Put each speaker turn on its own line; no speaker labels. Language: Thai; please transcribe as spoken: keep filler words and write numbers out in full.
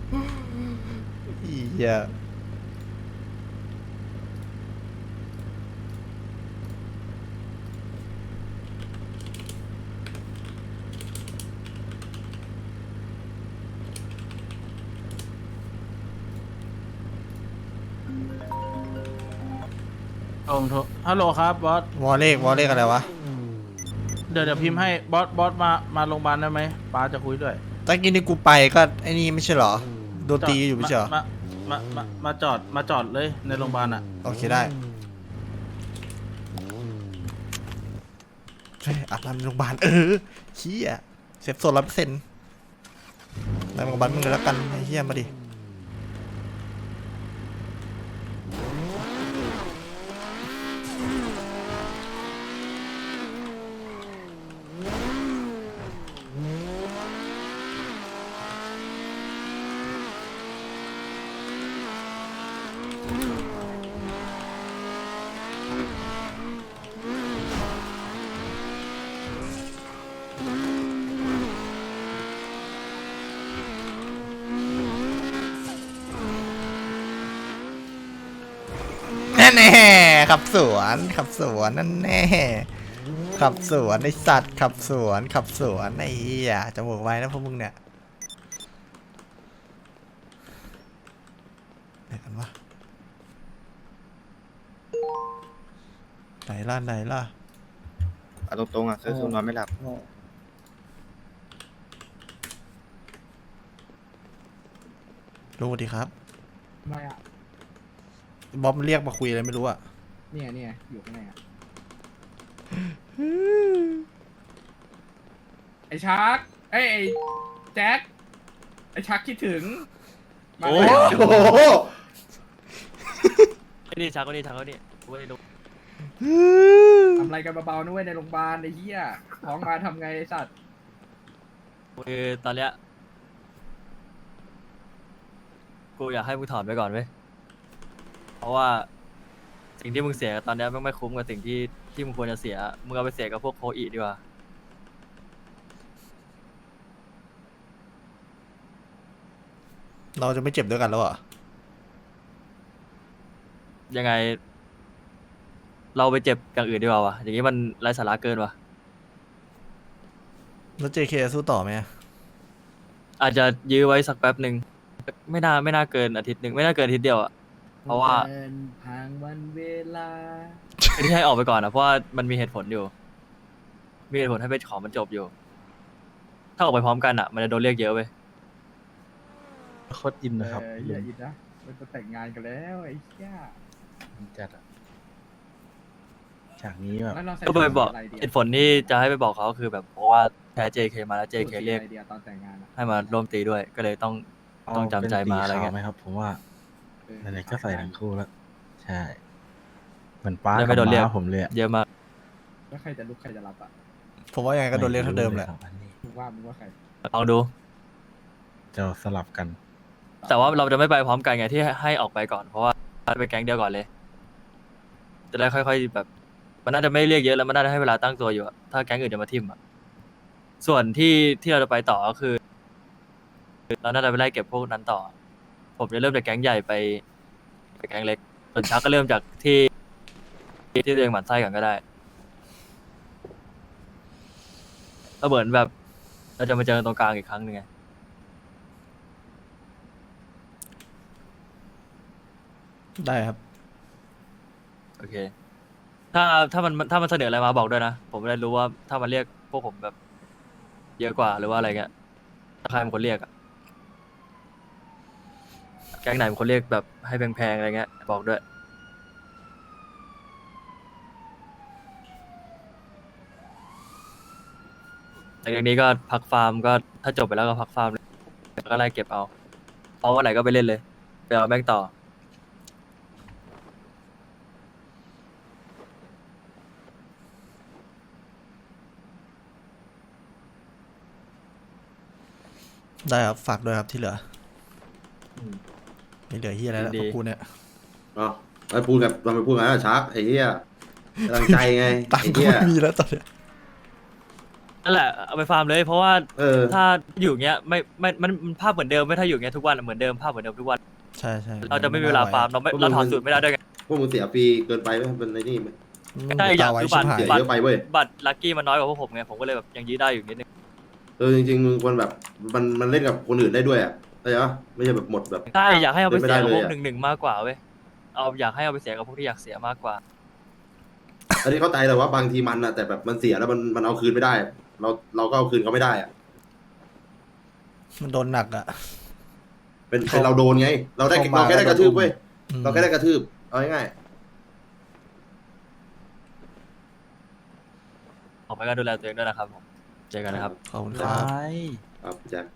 อีเหี้ย
โอ้โหฮัลโหลครับบอส
วอเลขวอเลขอะไรวะ
เดี๋ยวเดี๋ยวพิมพ์ให้บอสบอสมามาโรงพยาบาลได้ไหมป้าจะคุยด้วย
ตะกี้นี่กูไปก็ไอ้นี่ไม่ใช่เหรอโดน
จอด
ตีอยู่ไม่ใช่เหรอ
มามามามาจอดมาจอดเลยในโรงพยาบาลอ่ะ
โอเคได้เฮ้ยอาบน้ำในโรงพยาบาลเออเฮียเซฟโซนร้อยเปอร์เซ็นต์ในโรงพยาบาลมึงเลยแล้วกันไอ้เฮียมาดิแน่แน่ขับสวนขับสวนนั่นแน่ขับสวนไอสัตว์ขับสวนขับสวนไอ้เหี้ยจมูกไว้นะพวกมึงเนี่ยไหนกันวะไหนล่ะไหนล่ะ
เอาตรงๆอ่ะเซอร์ซูนอนไม่หลับ
รู้ดีครับ
ไม่อ่ะ
บ๊อบมันเรียกมาคุยอะไรไม่รู้อะ
เนี่ยเนี่ยอยู่ข้างในอ่ะ ไอชาร์กเอ้ยไอแจ็ค ไอชาร์กคิดถึงมา
โอ้
แล้ว
โห
ไอ้นี่ชักก็นี่ชักก็นี่กูไม่ได้รู้
ทำอะไรกันเบาๆนะเว้ยในโรงพยาบาลไอ้เหี้ยท้องมาทำไงไอสัตว์
คือตอนเนี้ยกูอยากให้มึงถอนไปก่อนเว้ยเพราะว่าสิ่งที่มึงเสียตอนเนี้ยมันไม่คุ้มกับสิ่งที่ที่มึงควรจะเสียมึงเอาไปเสียกับพวกโคอีดีกว่า
เราจะไม่เจ็บด้วยกันแล้วเหรอ
ยังไง เราไปเจ็บอย่างอื่นดีกว่าวะอย่างนี้มันไร้สาระเกินวะ
แล้ว เจ เค สู้ต่อไหมอะ
อาจจะยื้อไว้สักแป๊บหนึ่งไม่น่าไม่น่าเกินอาทิตย์หนึ่งไม่น่าเกินอาทิตย์เดียวอะเพราะว่า
เดินทางวันเวลา
ที่ให้ออกไปก่อนนะเพราะว่ามันมีเหตุผลอยู่ มีเหตุผลให้ไปขอมันจบอยู่ ถ้าออกไปพร้อมกันอ่ะ มันจะโดนเรียกเยอะเว้ย
โคตรอินนะครับ
เอออย่าอินนะมันจะแต่งงานกันแล้วไอ้เหี้ย
จัดอะฉากนี้แบบ
แล้วเราใส่
ก็ไปบอก
อะไรดี
เหตุผลที่จะให้ไปบอกเขาคือแบบเพราะว่าแพ้ เจ เค มาแล้ว เจ เค เรียก
ไอเดียตอนแต่งงานอะ
ให้มาร่วมตีด้วย ก็เลยต้อง ต้องจำใจมาอะไรเงี้ย
ไหมครับ ผมว่า
เออ
ไหนๆก็ใส่ทั้งคู่แล้ว ใช่ เหมือนป้า
แล้ว
กั
ไม่
บ
โดนเรียก
ม้าผมเลยอะ
เยอะมาก
แล้วใครจะลุกใครจะรับอ่ะ
ผมว่ายังไงก็โดนเรียกเท่าเดิมแหละ
ไรู้ยครับอันนี้
มึงว่ามึงว่าใคร
ลองดู
จะสลับกัน
แต่ว่าเราจะไม่ไปพร้อมกันไงที่ให้ออกไปก่อน เพราะว่าไปแก๊งเดียวก่อนเลย จะได้ค่อยๆแบบ มันน่าจะไม่เรียกเยอะแล้วมันน่าจะให้เวลาตั้งตัวอยู่อะถ้าแก๊งอื่นจะมาทิมอะส่วนที่ที่เราจะไปต่อก็คือ เราน่าจะไปไล่เก็บพวกนั้นต่อ ผมจะเริ่มจากแก๊งใหญ่ไปไปแก๊งเล็ก ส่วนชักก็เริ่มจากที่ที่ตัวเองหมั่นไส้ก่อนก็ได้แล้วเหมือนแบบ เราจะมาเจอกันตรงกลางอีกครั้งหนึ่งไง
ได้ครับ
โอเค ถ้าถ้ามันถ้ามันเสนออะไรมาบอกด้วยนะ ผมจะได้รู้ว่าถ้ามันเรียกพวกผมแบบ เยอะกว่าหรือว่าอะไรเงี้ยถ้าใครเป็นคนเรียกอะแก๊งไหนเป็นคนเรียกแบบให้แพงๆอะไรเงี้ยบอกด้วย หลังจากนี้ก็พักฟาร์มก็ถ้าจบไปแล้วก็พักฟาร์มเลยแล้วก็ไล่เก็บเอาพอวันไหนก็ไปเล่นเลยไปเอาแม่งต่อ
ได้ครับฝากด้วยครับที่เหลือ
อืม
ไม่เหลือเฮียอะไรแล้ว
ดี
พวกกูเนี่ย
อ๋อไปพูดกับเราไปพูดกันนะชักไอ้เหี้ยกำลังใจไง
ตัง
ไอ้
ค์ก็
เหี้ย
ไม่มีแล้วตอนเนี้ย
นั่นแหละเอาไปฟาร์มเลยเพราะว่า
เออ
ถ้าอยู่เงี้ยไม่ไม่มันมันภาพเหมือนเดิมไม่ถ้าอยู่เงี้ยทุกวันเหมือนเดิมภาพเหมือนเดิมทุกวัน
ใช่ใช่
เราจะไม่มีเวลาฟาร์มเราไม่เราถอดสูตรไม่ได้ด้วยไง
พวกมึงเสียฟรีเกินไปไหมเป็นในนี่ไหม
ใช่อย่าง
ไว้
คือ
ชิ
บัตร
บหาย
เสียเยอะไปเว้ย
บัตรลัคกี้มันน้อยกว่าพวกผมไงผมก็เลยแบบยังยื้อได้อยู่นิดนึง
เออจริงๆมึงควรแบบมันมันเล่นกับคนอื่นได้ด้วยอ่ะเข้าใจปะไม่ใช่แบบหมดแบบ
ใช่อยากให้เอาไป
เป็นไม่
เสีย
ได้
กับ
เลย
พวก
อะ
หนึ่งหนึ่งมากกว่าเว้ยเอาอยากให้เอาไปเสียกับพวกที่อยากเสียมากกว่า
อันนี้เข้าใจแต่ว่าบางทีมันอ่ะแต่แบบมันเสียแล้วมันมันเอาคืนไม่ได้ เราเราก็เอาคืนเขาไม่ได้อ่ะ
มันโดนหนักอ่ะ
เป็นเป็นเราโดนไง เราได้
เข้ามา
เราแค่ได้กระทืบเว้ย
อืม
เราแค่ได้กระทืบเอาง่าย
ออกไปก็ดูแลตัวเองด้วยนะครับผมเจอกันนะครับ
ขอบคุณ
ไป
ครับ
ๆครับแจ็ค